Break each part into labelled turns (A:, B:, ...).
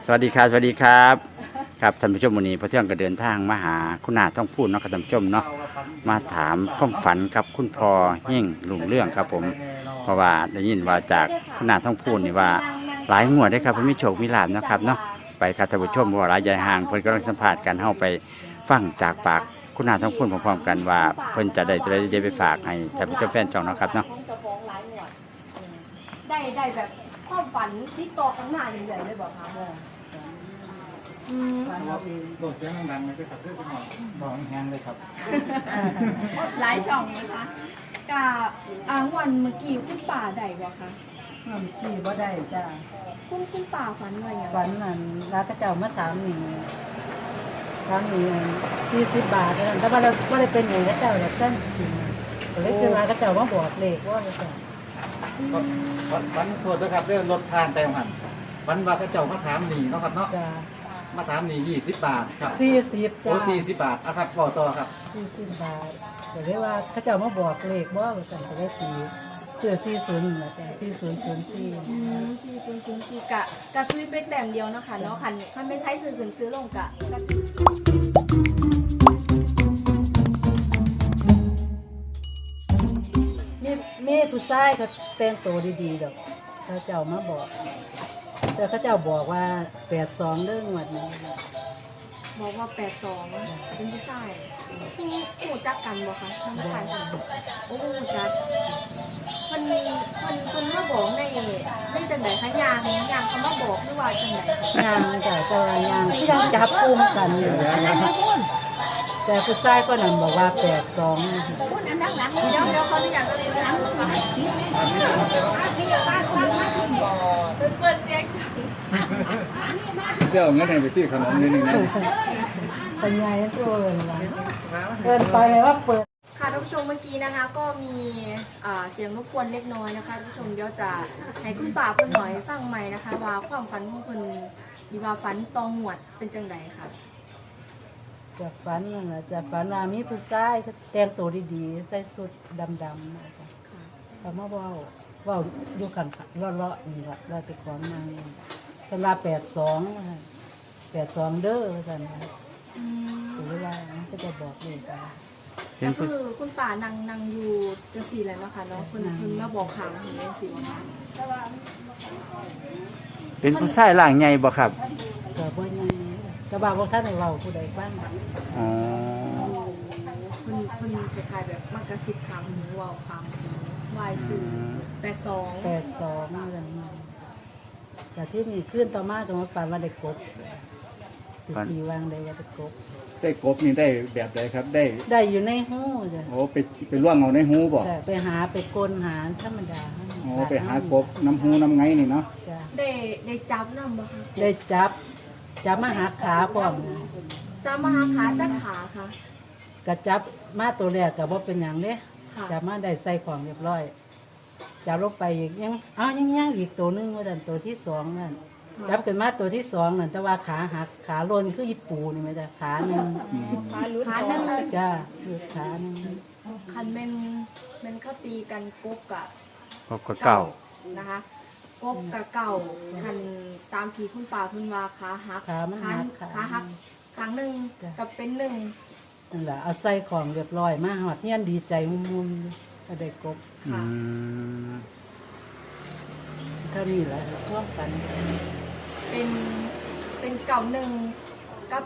A: สวัสดีครับสวัสดีครับครับท่านผู้ชมวันนี้พระเที่ยงก็เดินทางมาหาคุณนาท่องพูดเนาะครับท่านผู้ชมเนาะมาถามความฝันกับคุณพ่อเฮ่งลุ่งเรื่องครับผมเพราะว่าได้ยินว่าจากคุณนาท่องพูดนี่ว่าหลายงวดได้ครับเพิ่นมีโชคมีลาภนะครับเนาะไปครับท่านผู้ชมว่าหลายใหญ่ห่างเพิ่นกำลังสัมภาษณ์กันเฮาไปฟังจากปากคุณนาท่องพูดพร้อมๆกันว่าเพิ่นจะได้ตัวใดเดี๋ยวไปฝากให้ท่านผู้ชมแฟนช่องเนาะครับเนาะ
B: ได้แบบความฝันที่ต่อข้างหน้าใหญ่ๆเลยบอกค่ะ
C: โดดเสียงดังๆเลยครับเพื่อนหน่อยบอกแห้งเลยครับ
B: หลายช่องนะคะกับวันเมื่อกี้คุณป่าได้บอกค่ะ
D: น้ำจี้บ่ได้จ้า
B: คุณป่าฝันว่าอย่าง
D: ฝันนั่นร้านกระเจ้ามาถามนี่40 บาทนั่นแต่ว่าเราบ่ได้เป็นอย่างกระเจ้าแบบนั้นจริงก็เลยคือว่ากระเจ้ามาบอกเลขว่าจ้ะ
C: ฝันโทษนะครับเรื่องรถทานไปหันฝันว่าเขาเจ้ามาถามหนีเนาะครับเนาะ
D: จ้า
C: มาถามหนี20 บาทครับ
D: 40จ้า
C: โอ้40 บาทอ่ะครับบอกต่อครับ
D: 40 บาทก็เลยว่าเขาเจ้ามาบอกเลขว่าซั่นก็เลยตีเสื้อ40นั่นล่ะจ้ะ4004
B: 4004กะซื้อเป็นแต้มเดียวเนาะค่ะเนาะคันเป็นไทยซื้อขึ้นซื้อลงกะ
D: มีผู้ชายก็แต่งตัวดีๆดอกเขาเจ้ามาบอก แต่เขาเจ้าบอกว่า82เรื่องงวดนี้
B: บอกว่า82เป็นผู้ชายหูจักกันบ่คะทั้งผู้ชายโอ้หูจักมันมาบอกในจังได๋คะยางเขามาบอกหรือว่าจังได๋
D: ยางจ้ะเจ้าว่ายางที่ยังจับอุ้มกันอยู่แต่ผู้ชายก็นั่นบอกว่า82นะคะ
B: เดี๋ยวเขาจะอยากอะไรนะเปิดเสียง
C: เจ้างั้นให้ไปซื้อขนมนิดนึงนะ
D: เป็นไงตัวเกินไปว่าเปิด
B: ค่ะท่านผู้ชมเมื่อกี้นะคะก็มีเสียงรบกวนเล็กน้อยนะคะท่านผู้ชมเดี๋ยวจะให้คุณป่าเพิ่นหน่อยฟังใหม่นะคะว่าความฝันของเพิ่นมีว่าฝันตองหวดเป็นจังไดค่ะ
D: จะฝันนั่นแหละจะฝันว่ามีผู้ชายเขาแต่งตัวดีๆใส่สุดดำๆนะคะ
B: ค่ะ
D: เขามาเว้าอยู่กันเลาะๆนี่ล่ะเราจะของนางสำหรับ82นะคะ82เด้อว่าซั่นนะ
B: อืม
D: หรือว่าก็จะบอกเลยกัน
A: เห็น
B: ก็
A: ผู้
B: คือคุณป่านั่งอยู่จังซี่แหละเนาะค่ะเนาะเพิ่นมาบอกข่าวเห็นจังซี่ว่า
A: เป็นผู้ชายร่างใหญ่บ่ครับ
D: ก็บ่ยังก็บ่าบ่ทันได้เว้าผู้ใดฟัง
A: อ๋อ
B: เพิ่นคล้ายๆแบบมากระซิบคำหรือเว้าคำวายสื่อ82
D: 82นั่นน่ะแต่ที่นี่ขึ้นต่อมาก็มาฝันว่าได้กบติดตีวางได้ว่าได้กบ
C: ได้กบนี่ได้แบบใดครับได้
D: ได้อยู่ในหูจ้ะ
C: โอ้ไปล่วงเอาในหูบ่
D: แต่ไปหาไปกลหาธรรมดา
C: โอ้ไปหากบน้ำหูน้ำไงนี่เนาะ
D: จ้ะ
B: ได้จับนำบ่คะ
D: ได้จับมาหาขาพร้อมนะ
B: จับมาหาขาจักขาค่ะ
D: ก็จับมาตัวแรกก็บ่เป็นหยังเด้
B: ค่ะ
D: จับมาได้ใส่ของเรียบร้อยจับลงไปอีกยังอีกตัวหนึงว่าซั่นตัวที่สองนั่นจับขึ้นมาตัวที่สองนั่นแต่ว่าขาหักขาลนคืออีปูนี่แม่จ้ะขาหนึง
B: ขาหนึ่ง
D: จ้ะคือขาหนึง
B: คันแม่นเขาตีกันกบกะ
A: พบกับเก่า
B: นะคะกบกะเก่าคันตามที่คุณป่าเพิ่นว่าขาหัก
D: ขามันหัก
B: ขาหักครั้งหนึ่งกับเป็นหนึ่ง
D: นั่นแหละเอาใส่ของเรียบร้อยมาหอดเฮียนดีใจมุมๆก็ได้กบ
A: อื
B: ค่ะ
A: ม
D: เท่านี้แหละร่วมกัน
B: เป็นเก่าหนึ่งกับ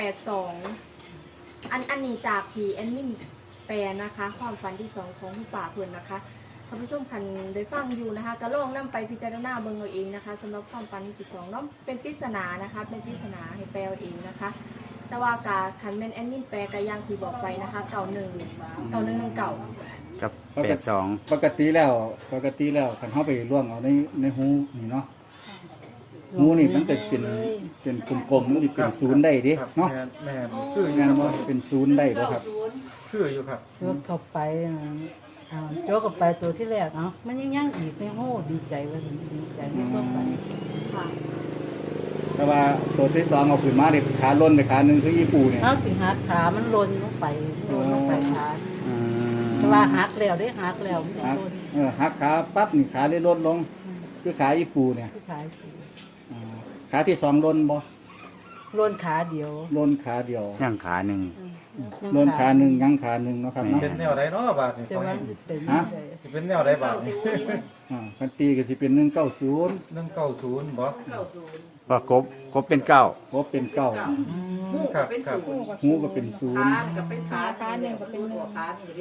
B: 82อันนี้จากที่แอดมินแปลนะคะ ความฝันที่2ของคุณป่าเพิ่นนะคะท่านผู้ชมคันได้ฟังอยู่นะคะก็ลองนำไปพิจารณาเบิ่งเอาเองนะคะสำหรับความฝันที่2เนาะเป็นปริศนานะคะเป็นปริศนาให้แปลเอาเองนะคะ แต่ว่ากาคันแม่นแอดมินแปลก็อย่างที่บอกไปนะคะเก่า1 เก่า
A: กับ82
C: ปกติแล้วคันเฮาไปล่วงเอาในหูนี่เนาะหูนี่มันจะเป็นกลมๆมันสิเป็นศูนย์ได้เด้เนาะ
E: แม่คืออยู่
C: แม่น
E: ค
C: บ่
E: รับ
C: เป็นศูนย์ได้บ่ครับ
E: คืออยู่ครับ
D: โจกเข้าไปโจกเข้าไปตัวที่แรกมันยังอีกในโหดีใจว่าดีใจไม่ต้องไป
B: ๆค่ะ
C: แต่ว่าตัวที่สองเอาขึ้นมานี่ขาล้นไปขาหนึงคืออีปูเนี่ย
D: เอาสิหักขามันลนลงไปขา
A: อืม
D: แต่ว่าหักแล้วได้หักแล้วมัน
C: หัก
D: ลน
C: หักขาปั๊บนี่ขาเลยลดลงคือขาอีปูเนี่ย
D: ที่ขายสิ
C: อ๋อขาที่สองลนบ่
D: โลนขาเดียว
C: ลนขาเดียว
A: ย่างขาหนึ่ง
C: ลนขาหนึ่งยังขาหนึ่งเนาะครับเนาะ
E: เป็นแนวใดเนาะบาทนี่
D: แต่
E: พอ
D: ว่า
E: เฮง
D: เป็น
C: ฮะ
E: สิเป็นแนวใดบาทนี่
C: คันตีก็สิเป็น190
E: 190บ่
A: ว่ากบเป็นเก้า
C: ครบเป็นเก้า
E: ครับครับ
C: หูก็เป็นศูนย์
B: ขาหนึ่งก็เป็นหนึ่ง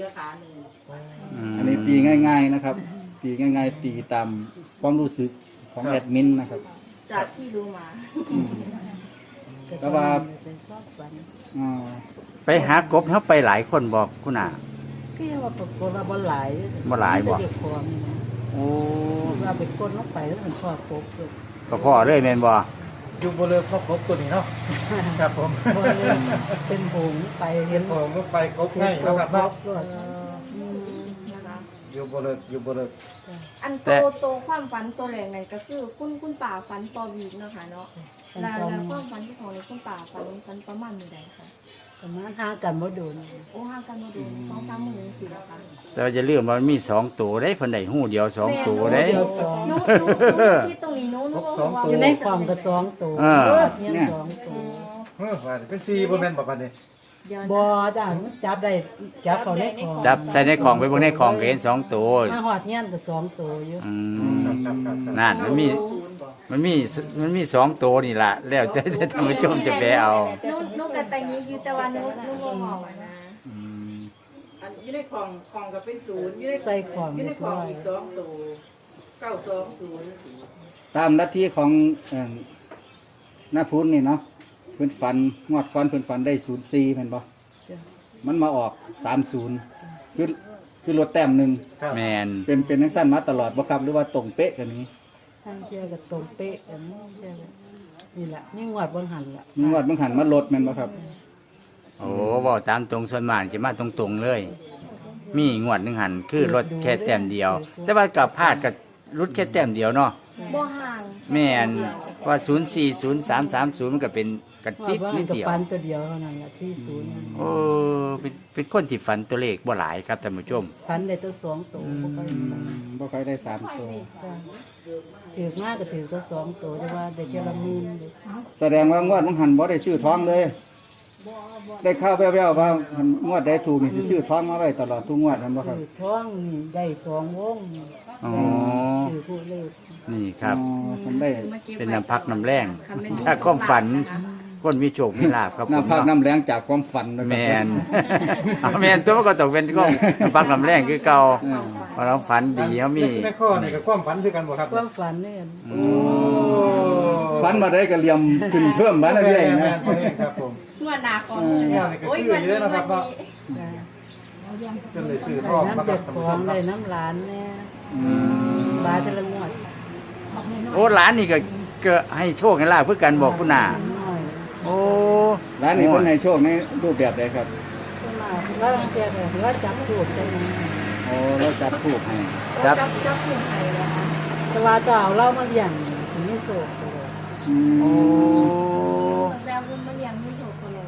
C: อันนี้ตีง่ายๆนะครับ ตีง่ายๆ ตีตามความรู้สึกของแอดมินนะครับ
B: จากที่รู้มา
C: แต่ว่า
D: เป็นชอบฝัน
C: อ่า
A: ไปหากบเขาไปหลายคนบอกคุณอา
D: ก็ยังว่าปรากฏว่าบ่หลาย
A: บ่หลายบ่
D: มีแต่เด็กพร้อมนี่นะ
A: โอ้
D: ว่าเป็นคนลงไปแล้วมันชอบปกเลย
A: ก็พ่อเลยแม่นบ่
E: อยู่บ่เลิกครบตัวนี้เนาะครับผม
D: บ่เลยเป็นหงส์ไปเห็น
E: ผมก็ไปครบง่ายแล้วครับเนาะ
D: รถ
B: นะคะ
E: อยู่บ่เลิกอยู่บ่เลิก
B: อันโตความฝันตัวแรกนั่นก็คือคุณป่าฝันต่อวีกเนาะค่ะเนาะแล้วความฝันที่สองในคุณป่าฝันประมาณมื้อใดคะ
D: ประมาณห่างกันบ่โดน
B: โอ้ห่างกันมาดู2-3มื้อจังซี่แล้วค่ะ
A: แต่ว่าจะเรื่องมันมีสองตัวได้เพิ่นได้หู้เดียวสองตัวได้
D: เดียวสอง
B: หนูคิดตรงนี้หนูว่า
D: อยู่ในกล่องก็สองตัว
A: อ่า
D: เนี่ยสองตัว
E: เฮ้ยว่าเป็น4บ่แม่นบ่บัดนี้
B: เดี๋ยว
D: บ่จ้ามันจับได้จับเขาในของ
A: จับใส่ในของไปเบิ่งในของก็เห็นสองตัว
D: มาหอดเงี้ยนก็สองตัวอยู่
A: อื
E: ครับ
A: ม
E: ครับครับ
A: นั่นมันมีสองตัวนี่ล่ะแล้วแต่ท่านผู้ชมจะไปเอา
B: หนูกับแต่นี้อยู่แต่ว่าหนูบ่งอกนะ
A: อืม
F: อันอยู่ในของก็เป็นศูนย์อยู่ใน
D: ใส่ของ
F: อยู่
D: เรี
F: ใน
D: ยบ
F: ขอ
D: ร้
F: ง
D: อย
F: อีก2ตัว920
C: ตามลัทธิของหน้าพุ้นนี่เนาะเพิ่นฝันงวดก่อนเพิ่นฝันได้04แม่นบ่
D: จ้ะ
C: มันมาออก30คือลดแต้มหนึง
E: ครับ
A: แมน
C: เป็นจังซั่นมาตลอดบ่ครับหรือว่าตรงเป๊ะกันนี้
D: ทางเจ้าก็ตรงเป๊ะกันนี่แหละนี่งวดบนหันล่ะ
C: มีงวดบางหันมาลดแม่นบ่ครับ
A: โอ้บอกตามตรงส่วนมากจะมาตรงๆเลย มีงวดหนึ่งหันคือรถแค่แต้มเดียว แต่ว่ากับพลาดกับรถแค่แต้มเดียวเนาะ
B: บ่ห่าง
A: แม่นว่า040330มันก็เป็นกระติด
D: ว่า
A: นิ
D: มัน
A: ด
D: ก็
A: เดียว
D: ฟันตัวเดียวเท่านั้นล่ะ40
A: โอ้เป็นคนที่ฝันตัวเลขบ่หลายครับท่านผู้ชม
D: ฟันได้ตัวสองตัวบ่ค่อยฟัน
C: บ่ค่อยได้3ตัว
D: จ้ะถือมากก็ถือตัวสองตัวแต่ว่าได้เจาละหมื่นเลย
C: แสดงว่างวดบางหันบ่ได้ชื่อท้องเลย ได้ข่าวแว่วๆว่างวดใดถูกนี่สิชื่อท้องมาไว้ตลอดทุกงวดแม่นบ่ครับ
D: ถือท้องนี่ได้สองวง
A: อ๋อ
D: ถือผู้เลข
A: นี่ครับ
C: อ๋อผมได้
A: เป็นน้ำพักน้ำแรงจากความฝัน คนมีโชคมีลาภครับผม
C: น้ำพัก
A: เนาะ
C: น้ำแรงจากความฝันนะค
A: แม
C: รับ
A: น เอาแมนตัวมันก็ตกเป็นก้องน้ำพักน้ำแรงคือเก่าเพราะเราฝันดีเขามี
E: ในข้อนี่ก็ความฝันคือกันบ่ครับ
D: ความฝันเนี่ย
E: โอ้
C: ฝันมาได้ก็เหลี่ยมขึ้นเพิ่มมาเรื่อยๆ
E: แม่
C: นะ
E: นพอเองครับผม
B: งวดหน้าของมือเนี่ยโอ้ยวันนี้วันนี้
E: จนได้ซื้อทองมา
D: น้ำ
E: ครั
D: เจ็
E: บ
D: ด
E: ท่าน
D: ข
E: ผู้
D: อ
E: ช
D: ง
E: มค
D: ได้
E: รับ
D: น้ำหลานเนี่ย
C: อืม
D: บาทละงวด
A: โอ้หลานนี่ก็ให้โชคให้ลาภเพื่อกันบอกคุณน่ะ
D: น้อย
A: โอ้
C: ร้านนี้เพิ่นให้โชคในรูปแบบใดครับ
D: ขึ้นมาแล้วเจ้าก็ว่าจับถูกจัง
C: โอ้เราจับถูกให้
A: ครับ
B: จับกลุ่มไทยแล้วค่ะ
D: แต่ว่าจะเอาเหล่ามาเลี้ยงถึงไม่โศกเลย
C: อืม
A: โอ้
B: แล้วคุณมาเลี้ยงไม่โชว์คนเลย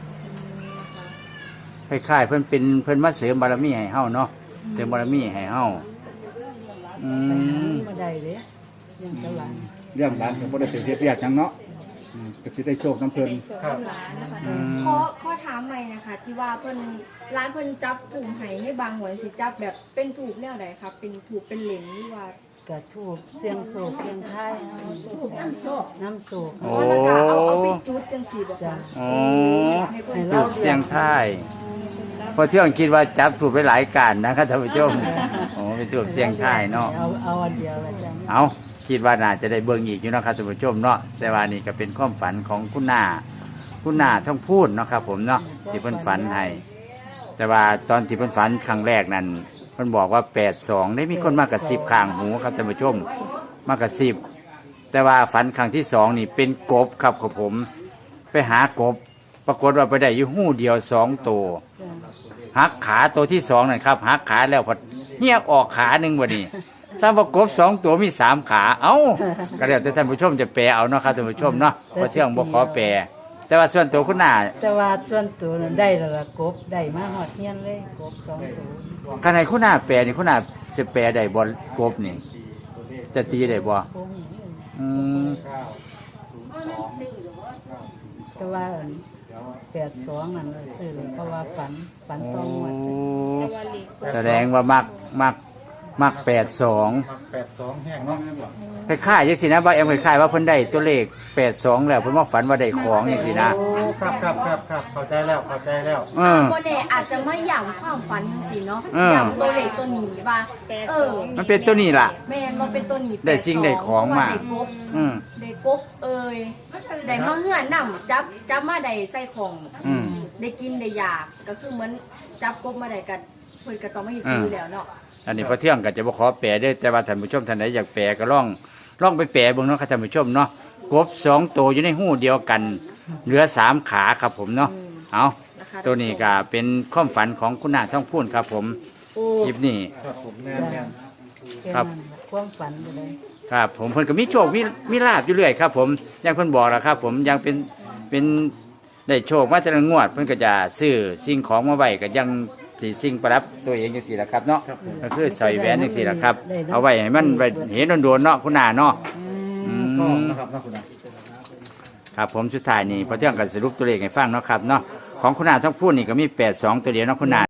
B: นะคะ
A: คล้ายๆเพิ่นมาเสริมบารมีให้เฮาเนาะเสริมบารมีให้เฮาอื
D: ไปหาม มาได้เลยยังเจ้าหลาน
C: เรื่องร้านก็บ่ได้ไปเฮ็ดเวียกหยังเนาะก็สิได้โชคน้ำเพิ่น
E: ครับ
A: อืม
B: ขอถามใหม่นะคะ ที่ว่าเพิ่นร้านเพิ่นจับกลุ่มไห้ให้บางหวยสิจับแบบเป็นถูกแนวใดครับเป็นถูกเป็นเหลนหรือว่า
D: กระทูบเสียงโศกเสียงไทยน้ำโศกน้ำโศก
A: โอ้
B: แล้วก็เอาไปจุดจังซี่บ่
D: จ้ะ
B: คะ
A: โอ้
B: ให้เพิ่น
D: ให้
A: ถู
D: เรา
A: กเสียงท้ายเพอเที่ยงคิดว่าจับถูกไปหลายการนะครับท่านผู้ชมโอ้เป็นถูกเสียงท้ายเนาะ
D: เอาอันเดียวละจ้ะ
A: เอาคิดว่าน่าจะได้เบิ่งอีกอยู่เนาะครับท่านผู้ชมเนาะแต่ว่านี่ก็เป็นความฝันของคุณนาท่องพูดเนาะครับผมเนาะที่เพิ่นฝันให้แต่ว่าตอนที่เพิ่นฝันครั้งแรกนั้นเพิ่นบอกว่า82ได้มีคนมากระซิบข้างหูครับท่านผู้ชมมากระซิบแต่ว่าฝันครั้งที่สองนี่เป็นกบครับของผม ไปหากบ ปรากฏว่าไปได้อยู่หู้เดียว2ตัวหักขาตัวที่สองนั่นครับหักขาแล้วพอเหี้ยออกขาหนึ่งวันนี้ สร้างประกบ2ตัวมี3ขาเอ้าก็แล้วแต่ท่านผู้ชมจะแปลเอาเนาะครับท่านผู้ชมเนาะเพราะเที่ยงบ่ขอแปลแต่ว่าส่วนตัวคุณนา
D: แต่ว่าส่วนตัวนั้นได้แล้วล่ะกบได้มาหอดเฮียนเลยกบสองตัว
A: คันให้คุณนาแปลนี่คุณนาสิแปลได้บ่กบนี่ จะตีได้บ่
D: คง
A: อืม
D: แต่ว่า82นั่นเลยซื้อเลยเพราะว่าฝันต้องหมด
A: แสดงว่ามัก82
E: 82แห้งเนาะ
A: คล้ายๆจังซี่นะบ่าแอมคล้ายๆว่าเพิ่นได้ตัวเลข82แล้วเพิ่นมาฝันว่าได้ของจังซี่นะ
E: โอ้ครับเข้าใจแล้ว
A: เออ
B: โมเดอาจจะไม่หย่ำความฝันสิเนาะ
A: เออ
B: หย่ำตัวเล็กตัวหนีว่า
A: มันเป็นตัวนี้ล่ะ
B: แม่นมันเป็นตัวหนี
A: ได้สิ่งได้ของมา
B: ได้กบ
A: อืม
B: ได้กบได้มาเหือนนํจับมาได้ใส่ของ
A: อืม
B: ได้กินได้อยากก็คือเหมือนจับกบมาได้กันเพิ่นก็ต้องมาเฮ็ดอยู่แล้วเนาะ
A: อันนี้พอเที่ยงก็จะบ่ขอแปลเด้อแต่ว่าท่านผู้ชมท่านใดอยากแปลก็ลองไปแปลเบิ่งเนาะครับท่านผู้ชมเนาะกบ2ตัวอยู่ในหูเดียวกัน เหลือ3ขาครับผมเนาะเอา
B: นะคะ
A: ตัวนี้ก็เป็นความฝันของคุณนาท่องพูนครับผมคลิปนี้
E: ครับผมแม่น
A: ครับ
D: ความฝันไปเลย
A: ครับผมเพิ่นก็มีโชคมีลาบอยู่เรื่อยครับผมอย่างเพิ่นบอกแล้วครับผมยังเป็นได้โชคมาแต่ละงวดเพิ่นก็จะซื้อสิ่งของมาไว้ก็ยังสิสิ่งประดับตัวเองจังซี่ล่ะครับเนาะก็คือใส่แหวนจังซี่ล่ะครับเอาไว้ให้มันไว้เห็นโดนๆเนาะคุณนาเนาะ
E: ๆก็นะครับเนาะคุณอา
A: ครับผมสุดท้ายนี่พอเที่ยงก็สรุปตัวเลขให้ฟังเนาะครับเนาะของคุณนาท่องพูนนี่ก็มี82ตัวเดียวเนาะคุณนา